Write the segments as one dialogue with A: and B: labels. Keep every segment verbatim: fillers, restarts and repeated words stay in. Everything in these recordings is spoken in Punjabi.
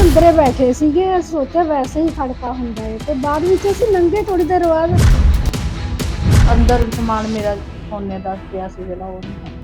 A: ਅੰਦਰੇ ਬੈਠੇ ਸੀਗੇ, ਸੋਚਿਆ ਵੈਸੇ ਹੀ ਖੜਕਾ ਹੁੰਦਾ ਹੈ ਤੇ ਬਾਅਦ ਵਿੱਚ ਅਸੀਂ ਲੰਘੇ ਥੋੜੀ ਦੇਰ ਬਾਅਦ।
B: ਅੰਦਰ ਸਮਾਨ ਮੇਰਾ ਸੋਨੇ ਦਾ ਪਿਆ ਸੀ ਜਿਹੜਾ ਉਹ ਨਹੀਂ ਹੈ।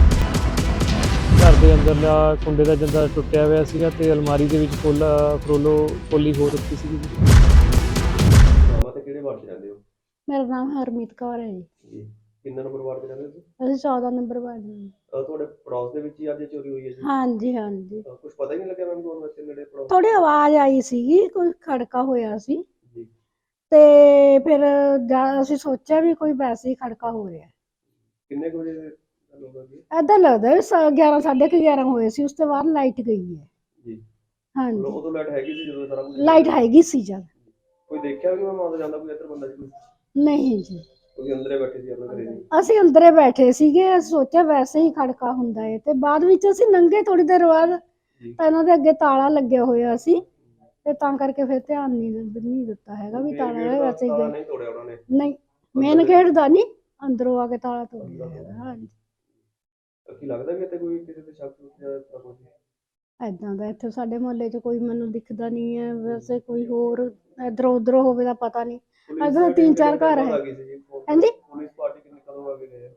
C: ਘਰ ਦੇ ਅੰਦਰਲਾ ਕੁੰਡੇ ਦਾ ਜਿੰਦਾ ਟੁੱਟਿਆ ਹੋਇਆ ਸੀਗਾ ਤੇ ਅਲਮਾਰੀ ਦੇ ਵਿੱਚ ਫੁੱਲ ਫਰੋਲੋ ਫੁੱਲੀ ਹੋ ਰੱਖੀ ਸੀਗੀ ਜੀ।
D: ਮਾਮਾ ਤੇ ਕਿਹੜੇ ਵਾਰਡ 'ਚ ਰਹਿੰਦੇ ਹੋ
A: ਮੇਰਾ ਨਾਮ ਹਰਮੀਤ ਕੌਰ ਹੈ ਜੀ।
D: ਜੀ? ਕਿੰਨਾ ਨੰਬਰ ਵਾਰਡ 'ਚ ਰਹਿੰਦੇ ਹੋ ਤੁਸੀਂ?
A: ਅਸੀਂ ਚੌਦਾਂ ਨੰਬਰ ਵਾਰਡ ਦੇ।
D: ਅਹ ਤੁਹਾਡੇ ਪੜੋਸ ਦੇ ਵਿੱਚ ਹੀ ਅੱਜ ਚੋਰੀ ਹੋਈ ਹੈ ਜੀ?
A: ਹਾਂਜੀ ਹਾਂਜੀ,
D: ਕੁਝ ਪਤਾ ਹੀ ਨਹੀਂ ਲੱਗਿਆ ਮੈਮ ਤੁਹਾਨੂੰ ਇੱਥੇ ਨੇੜੇ ਪੜੋਸ?
A: ਥੋੜੀ ਆਵਾਜ਼ ਆਈ ਸੀਗੀ, ਕੋਈ ਖੜਕਾ ਹੋਇਆ ਸੀ
D: ਜੀ।
A: ਤੇ ਫਿਰ ਜਦ ਅਸੀਂ ਸੋਚਿਆ ਵੀ ਕੋਈ ਵੈਸੇ ਹੀ ਖੜਕਾ ਹੋ ਰਿਹਾ।
D: ਕਿੰਨੇ ਕੁ ਵਜੇ ਦੀ ਗੱਲ ਹੋ ਗਈ?
A: ਏਦਾਂ ਲੱਗਦਾ ਵੀ ਸ- ਗਿਆਰਾਂ ਸਾਢੇ ਕੁ ਗਿਆਰਾਂ ਹੋਏ ਸੀ। ਉਸ ਤੋਂ ਬਾਅਦ ਲਾਈਟ ਗਈ ਹੈ।
D: ਜੀ।
A: ਹਾਂਜੀ,
D: ਉਦੋਂ ਲਾਈਟ ਹੈਗੀ ਸੀ ਜਦੋਂ ਸਾਰਾ ਕੁਝ?
A: ਲਾਈਟ ਹੈਗੀ ਸੀ ਜਦ।
D: ਕੋਈ ਦੇਖਿਆ ਵੀ ਮੈਂ ਆਉਂਦਾ ਜਾਂਦਾ ਕੋਈ ਇੱਧਰ ਬੰਦਾ ਜੀ?
A: ਨਹੀਂ ਜੀ,
D: ਤੁਸੀਂ ਅੰਦਰੇ ਬੈਠੇ ਸੀ ਆਪਣੇ ਘਰੇ ਜੀ?
A: ਅਸੀਂ ਅੰਦਰੇ ਬੈਠੇ ਸੀਗੇ, ਸੋਚਿਆ ਵੈਸੇ ਹੀ ਖੜਕਾ ਹੁੰਦਾ ਹੈ ਤੇ ਬਾਅਦ ਵਿੱਚ ਅਸੀਂ ਲੰਘੇ ਥੋੜੀ ਦੇਰ ਬਾਅਦ
D: ਜੀ।
A: ਤਾਂ ਇਹਨਾਂ ਦੇ ਅੱਗੇ ਤਾਲਾ ਲੱਗਿਆ ਹੋਇਆ ਸੀ ਤੇ ਤਾਂ ਕਰਕੇ ਫਿਰ ਧਿਆਨ ਨਹੀਂ ਨਹੀਂ ਦਿੱਤਾ ਹੈਗਾ ਵੀ ਤਾਲਾ ਹੈ। ਵੈਸੇ ਹੀ
D: ਤਾਲਾ
A: ਗਏ
D: ਨਹੀਂ ਤੋੜਿਆ ਉਹਨਾਂ ਨੇ?
A: ਨਹੀਂ, ਮੇਨ ਗੇਟ ਦਾ ਨਹੀਂ, ਅੰਦਰੋਂ ਆ ਕੇ ਤਾਲਾ ਤੋੜਿਆ ਹੈਗਾ। ਹਾਂਜੀ,
D: ਕੀ ਲੱਗਦਾ ਵੀ ਇੱਥੇ ਕੋਈ ਕਿਸੇ ਤੇ ਸ਼ੱਕ ਜਾਂ ਤਾਂ ਕੁਝ?
A: ਏਦਾਂ ਦਾ ਇੱਥੇ ਸਾਡੇ ਮੁਹੱਲੇ 'ਚ ਕੋਈ ਮੈਨੂੰ ਦਿਖਦਾ ਨਹੀਂ ਹੈ। ਵੈਸੇ ਕੋਈ ਹੋਰ ਇੱਧਰੋਂ ਉੱਧਰੋਂ ਹੋਵੇ ਦਾ ਪਤਾ ਨਹੀਂ। ਇੱਧਰ ਤਿੰਨ ਚਾਰ ਘਰ ਹੈ। ਹਾਂਜੀ,
D: ਪੁਲਿਸ ਪਾਰਟੀ ਕਿੰਨੇ ਕਦੋਂ ਆ ਕੇ ਗਏ?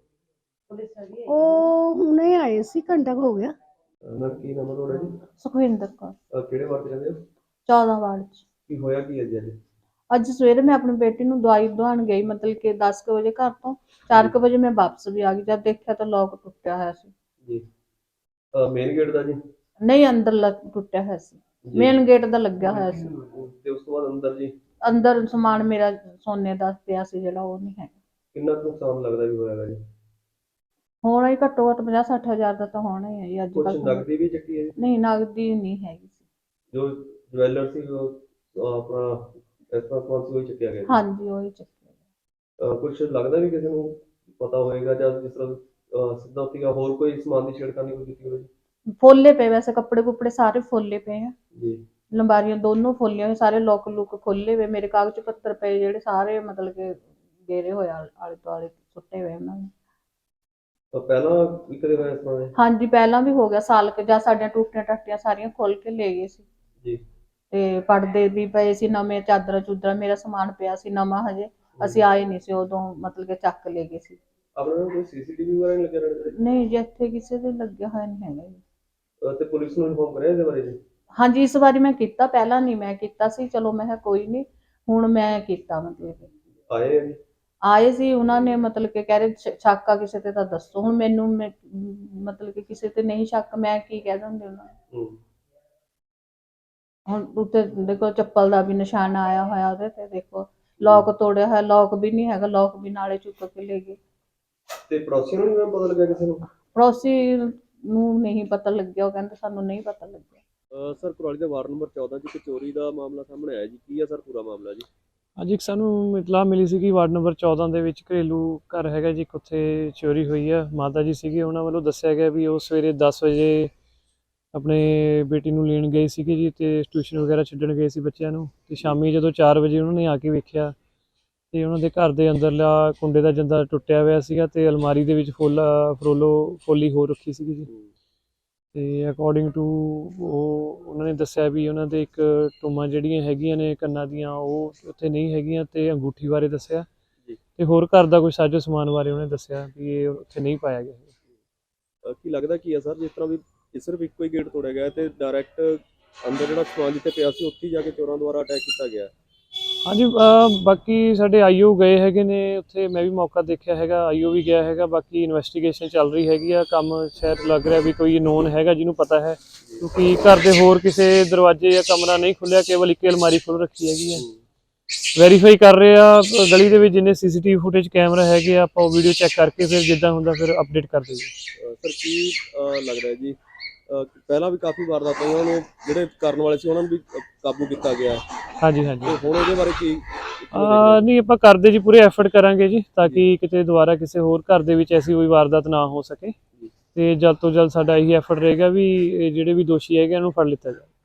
A: ਉਹ ਹੁਣੇ ਆਏ ਸੀ, ਘੰਟਾ ਕੁ ਹੋ ਗਿਆ।
D: ਨਾ ਕੀ ਨਾਮ ਹੈ ਤੁਹਾਡਾ ਜੀ?
B: ਸੁਖਵਿੰਦਰ ਕੌਰ,
D: ਅਹ ਕਿਹੜੇ ਵਾਰਡ 'ਚ ਰਹਿੰਦੇ ਹੋ?
B: ਚੌਦਾਂ ਵਾਰਡ ਚ।
D: ਕੀ ਹੋਇਆ ਕੀ ਹੈ ਜੀ ਅੱਜ?
B: ਅੱਜ ਸਵੇਰੇ ਮੈਂ ਆਪਣੀ ਬੇਟੀ ਨੂੰ ਦਵਾਈ ਦਵਾਉਣ ਗਈ, ਮਤਲਬ ਕਿ ਦਸ ਕੁ ਵਜੇ ਘਰ ਤੋਂ। ਚਾਰ ਕੁ ਵਜੇ ਮੈਂ ਵਾਪਸ ਵੀ ਆ ਗਈ। ਜਦ ਦੇਖਿਆ ਤਾਂ ਲੋਕ ਟੁੱਟਿਆ ਹੋਇਆ ਸੀ।
D: ਜੀ। ਮੇਨ ਗੇਟ ਦਾ ਜੀ?
B: ਨਹੀਂ, ਅੰਦਰ ਟੁੱਟਿਆ ਹੋਇਆ ਸੀ। ਮੇਨ ਗੇਟ ਦਾ ਲੱਗਿਆ ਹੋਇਆ ਸੀ।
D: ਤੇ ਉਸ ਤੋਂ ਬਾਅਦ ਅੰਦਰ ਜੀ?
B: ਅੰਦਰ ਸਮਾਨ ਮੇਰਾ ਸੋਨੇ ਦਾ ਪਿਆ ਸੀ ਜਿਹੜਾ ਉਹ ਨਹੀਂ ਹੈ।
D: ਕਿੰਨਾ ਕੁ ਨੁਕਸਾਨ ਲੱਗਦਾ ਵੀ ਹੋਇਆਗਾ ਜੀ?
B: ਹੋਣਾ ਹੀ ਘੱਟੋ ਘੱਟ ਪੰਜਾਹ ਸੱਠ ਹਜ਼ਾਰ ਦਾ ਤਾਂ ਹੋਣਾ ਹੀ ਹੈ ਜੀ ਅੱਜ
D: ਕੁਝ
B: ਕੱਲ੍ਹ।
D: ਨਕਦੀ ਵੀ ਚੱਕੀ ਹੈ ਜੀ?
B: ਨਹੀਂ, ਨਗਦੀ ਨਹੀਂ ਹੈਗੀ ਸੀ।
D: ਜੋ ਜਵੈਲਰ ਸੀ ਉਹ ਅਹ ਆਪਣਾ ਇਸ ਤਰ੍ਹਾਂ ਸਮਾਨ ਸੀ ਉਹ ਹੀ ਚੱਕਿਆ ਗਿਆ ਜੀ?
B: ਹਾਂਜੀ, ਉਹੀ ਚੱਕਿਆ।
D: ਕੁਝ ਲੱਗਦਾ ਵੀ ਕਿਸੇ ਨੂੰ ਪਤਾ ਹੋਏਗਾ ਜਾਂ ਜਿਸ ਤਰ੍ਹਾਂ ਅਹ ਸਿੱਧਾ ਉੱਤੀਗਾ ਹੋਰ ਕੋਈ ਸਮਾਨ ਦੀ ਛੇੜਖਾਨੀ ਕੋਈ ਕੀਤੀ ਹੋਵੇ?
B: ਫੋਲੇ ਪਏ, ਵੈਸੇ ਕੱਪੜੇ ਕੁੱਪੜੇ ਸਾਰੇ ਫੋਲੇ ਪਏ ਆ।
D: ਜੀ।
B: ਲੰਬਾਰੀਆਂ ਦੋਨੋਂ ਫੋਲੀਆਂ ਹੋਈਆਂ, ਸਾਰੇ ਲੋਕ ਲੁੱਕ ਖੋਲੇ ਹੋਏ। ਮੇਰੇ ਕਾਗਜ਼ ਪੱਤਰ ਪਏ ਜਿਹੜੇ ਸਾਰੇ ਮਤਲਬ ਕਿ ਗੇਰੇ ਹੋਏ ਆਲੇ ਦੁਆਲੇ ਸੁੱਟੇ ਹੋਏ ਉਹਨਾਂ ਨੇ।
D: ਤਾਂ ਪਹਿਲਾਂ ਵੀ ਕਦੇ ਹੋਇਆ ਇਸ ਤਰ੍ਹਾਂ?
B: ਹਾਂਜੀ, ਪਹਿਲਾਂ ਵੀ ਹੋ ਗਿਆ ਸਾਲ ਕੁ, ਜਾਂ ਸਾਡੀਆਂ ਟੂਟੀਆਂ ਟਾਟੀਆਂ ਸਾਰੀਆਂ ਖੋਲ ਕੇ ਲੈ ਗਏ ਸੀ।
D: ਜੀ।
B: ਤੇ ਪਰਦੇ ਵੀ ਪਏ ਸੀ ਨਵੇਂ, ਚਾਦਰਾਂ ਚੂਦਰਾਂ, ਮੇਰਾ ਸਮਾਨ ਪਿਆ ਸੀ ਨਵਾਂ, ਹਜੇ ਅਸੀਂ ਆਏ ਨਹੀਂ ਸੀ ਉਦੋਂ, ਮਤਲਬ ਕਿ ਚੱਕ ਲੈ ਗਏ ਸੀ।
D: ਆਪਣੇ ਨਾਲ ਕੋਈ ਸੀਸੀਟੀਵੀ ਵਗੈਰਾ ਨਹੀਂ ਲੱਗਿਆ ਰਹਿੰਦਾ?
B: ਨਹੀਂ ਜੀ, ਇੱਥੇ ਕਿਸੇ ਦੇ ਲੱਗਿਆ ਹੋਇਆ ਨਹੀਂ ਹੈਗਾ ਜੀ।
D: ਤੇ ਪੁਲਿਸ ਨੂੰ ਇਨਫੋਰਮ ਕਰਿਆ ਇਹਦੇ ਬਾਰੇ ਜੀ?
B: ਹਾਂਜੀ, ਇਸ ਵਾਰੀ ਮੈਂ ਕੀਤਾ, ਪਹਿਲਾਂ ਨਹੀਂ ਮੈਂ ਕੀਤਾ ਸੀ। ਚਲੋ ਮੈਂ ਕਿਹਾ ਕੋਈ ਨਹੀਂ, ਹੁਣ ਮੈਂ ਕੀਤਾ। ਮਤਲਬ ਕਿ
D: ਆਏ ਆ ਜੀ?
B: ਆਏ ਸੀ, ਉਹਨਾਂ ਨੇ ਮਤਲਬ ਕਿ ਕਹਿ ਰਹੇ ਸ਼ੱਕ ਆ ਕਿਸੇ ਤੇ ਤਾਂ ਦੱਸੋ। ਹੁਣ ਮੈਨੂੰ ਮੈਂ- ਮਤਲਬ ਕਿ ਕਿਸੇ ਤੇ ਨਹੀਂ ਸ਼ੱਕ, ਮੈਂ ਕੀ ਕਹਿ ਦਿੰਦੇ ਉਹਨਾਂ ਨੂੰ।
D: ਹੂੰ।
B: ਹੁਣ ਉੱਤੇ ਦੇਖੋ ਚੱਪਲ ਦਾ ਵੀ ਨਿਸ਼ਾਨ ਆਇਆ ਹੋਇਆ ਉਹਦੇ ਤੇ, ਦੇਖੋ ਲੋਕ ਤੋੜਿਆ ਹੋਇਆ, ਲੋਕ ਵੀ ਨਹੀਂ ਹੈਗਾ, ਲੋਕ ਵੀ ਨਾਲੇ ਚੁੱਕ ਕੇ ਲੈ ਗਏ।
D: ਤੇ ਪੜੋਸੀਆਂ ਨੂੰ ਨਹੀਂ ਪਤਾ ਲੱਗਿਆ ਕਿਸੇ ਨੂੰ?
B: ਪੜੋਸੀ ਨੂੰ ਨਹੀਂ ਪਤਾ ਲੱਗਿਆ, ਉਹ ਕਹਿੰਦੇ ਸਾਨੂੰ ਨਹੀਂ ਪਤਾ ਲੱਗਿਆ।
D: ਸਰ, ਕੁਰਾਲੀ ਦੇ ਵਾਰਡ ਨੰਬਰ ਚੌਦਾਂ 'ਚ ਇੱਕ ਚੋਰੀ ਦਾ ਮਾਮਲਾ ਸਾਹਮਣੇ ਆਇਆ ਜੀ, ਕੀ ਹੈ ਸਰ ਪੂਰਾ ਮਾਮਲਾ ਜੀ?
C: ਅੱਜ ਇੱਕ ਸਾਨੂੰ ਇਤਲਾਹ ਮਿਲੀ ਸੀ ਕਿ ਵਾਰਡ ਨੰਬਰ ਚੌਦਾਂ ਦੇ ਵਿੱਚ ਘਰੇਲੂ ਘਰ ਹੈਗਾ ਜੀ, ਉੱਥੇ ਚੋਰੀ ਹੋਈ ਹੈ। ਮਾਤਾ ਜੀ ਸੀਗੇ, ਉਹਨਾਂ ਵੱਲੋਂ ਦੱਸਿਆ ਗਿਆ ਵੀ ਉਹ ਸਵੇਰੇ ਦਸ ਵਜੇ ਆਪਣੇ ਬੇਟੀ ਨੂੰ ਲੈਣ ਗਏ ਸੀਗੇ ਜੀ ਤੇ ਟਿਊਸ਼ਨ ਵਗੈਰਾ ਛੱਡਣ ਗਏ ਸੀ ਬੱਚਿਆਂ ਨੂੰ। ਤੇ ਸ਼ਾਮੀ ਜਦੋਂ ਚਾਰ ਵਜੇ ਉਹਨਾਂ ਨੇ ਆ ਕੇ ਵੇਖਿਆ ਤੇ ਉਹਨਾਂ ਦੇ ਘਰ ਦੇ ਅੰਦਰਲਾ ਕੁੰਡੇ ਦਾ ਜਿੰਦਾ ਟੁੱਟਿਆ ਹੋਇਆ ਸੀਗਾ ਤੇ ਅਲਮਾਰੀ ਦੇ ਵਿੱਚ ਫੁੱਲ ਫਰੋਲੋ ਫੁੱਲੀ ਹੋ ਰੱਖੀ ਸੀਗੀ ਜੀ। ਤੇ ਅਕੋਰਡਿੰਗ ਟੂ ਉਹ ਉਹਨਾਂ ਨੇ ਦੱਸਿਆ ਵੀ ਉਹਨਾਂ ਦੇ ਇੱਕ ਟੂਮਾਂ ਜਿਹੜੀਆਂ ਹੈਗੀਆਂ ਨੇ ਕੰਨਾਂ ਦੀਆਂ ਉਹ ਉੱਥੇ ਨਹੀਂ ਹੈਗੀਆਂ ਤੇ ਅੰਗੂਠੀ ਬਾਰੇ ਦੱਸਿਆ ਤੇ ਹੋਰ ਘਰ ਦਾ ਕੋਈ ਸਾਜੋ ਸਮਾਨ ਬਾਰੇ ਉਹਨੇ ਦੱਸਿਆ ਵੀ ਇਹ ਉੱਥੇ ਨਹੀਂ ਪਾਇਆ ਗਿਆ।
D: ਕੀ ਲੱਗਦਾ ਕੀ ਹੈ ਸਰ, ਜਿਸ ਤਰ੍ਹਾਂ ਵੀ ਸਿਰਫ ਇੱਕੋ ਹੀ ਗੇਟ ਤੋੜਿਆ ਗਿਆ ਤੇ ਡਾਇਰੈਕਟ ਅੰਦਰ ਜਿਹੜਾ ਸਮਾਨ ਜਿੱਥੇ ਪਿਆ ਸੀ ਉੱਥੇ ਜਾ ਕੇ ਚੋਰਾਂ ਦੁਆਰਾ ਅਟੈਕ ਕੀਤਾ ਗਿਆ?
C: ਹਾਂਜੀ, ਬਾਕੀ ਸਾਡੇ ਆਈਓ ਗਏ ਹੈਗੇ ਨੇ ਉੱਥੇ, ਮੈਂ ਵੀ ਮੌਕਾ ਦੇਖਿਆ ਹੈਗਾ, ਆਈਓ ਵੀ ਗਿਆ ਹੈਗਾ। ਬਾਕੀ ਇਨਵੈਸਟੀਗੇਸ਼ਨ ਚੱਲ ਰਹੀ ਹੈਗੀ ਆ, ਕੰਮ ਸ਼ਾਇਦ ਲੱਗ ਰਿਹਾ ਵੀ ਕੋਈ ਨੋਨ ਹੈਗਾ ਜਿਹਨੂੰ ਪਤਾ ਹੈ, ਕਿਉਂਕਿ ਘਰ ਦੇ ਹੋਰ ਕਿਸੇ ਦਰਵਾਜ਼ੇ ਜਾਂ ਕਮਰਾ ਨਹੀਂ ਖੁੱਲਿਆ, ਕੇਵਲ ਇੱਕ ਅਲਮਾਰੀ ਖੁੱਲ ਰੱਖੀ ਹੈਗੀ ਹੈ। ਵੈਰੀਫਾਈ ਕਰ ਰਹੇ ਆ ਗਲੀ ਦੇ ਵਿੱਚ ਜਿੰਨੇ ਸੀਸੀਟੀਵੀ ਫੁਟੇਜ ਕੈਮਰਾ ਹੈਗੇ ਆ, ਆਪਾਂ ਉਹ ਵੀਡੀਓ ਚੈੱਕ ਕਰਕੇ ਫਿਰ ਜਿੱਦਾਂ ਹੁੰਦਾ ਫਿਰ ਅਪਡੇਟ ਕਰ ਦਿੰਦੇ।
D: ਸਰ, ਕੀ ਲੱਗਦਾ ਜੀ ਪਹਿਲਾਂ ਵੀ ਕਾਫੀ ਵਾਰਦਾਤਾਂ ਉਹਨਾਂ ਨੂੰ ਜਿਹੜੇ ਕਰਨ ਵਾਲੇ ਸੀ ਉਹਨਾਂ ਨੂੰ ਵੀ ਕਾਬੂ ਕੀਤਾ ਗਿਆ?
C: ਹਾਂਜੀ ਹਾਂਜੀ।
D: ਹੁਣ ਉਹਦੇ ਬਾਰੇ ਕੀ?
C: ਨਹੀਂ, ਆਪਾਂ ਕਰਦੇ ਜੀ ਪੂਰੇ ਐਫਰਟ ਕਰਾਂਗੇ ਜੀ ਤਾਂ ਕਿ ਕਿਤੇ ਦੁਬਾਰਾ ਕਿਸੇ ਹੋਰ ਘਰ ਦੇ ਵਿੱਚ ਐਸੀ ਕੋਈ ਵਾਰਦਾਤ ਨਾ ਹੋ ਸਕੇ ਤੇ ਜਲਦ ਤੋਂ ਜਲਦ ਸਾਡਾ ਇਹੀ ਐਫਰਟ ਰਹੇਗਾ ਵੀ ਜਿਹੜੇ ਵੀ ਦੋਸ਼ੀ ਹੈਗੇ ਉਹਨੂੰ ਫੜ ਲਿੱਤਾ ਜਾਵੇ।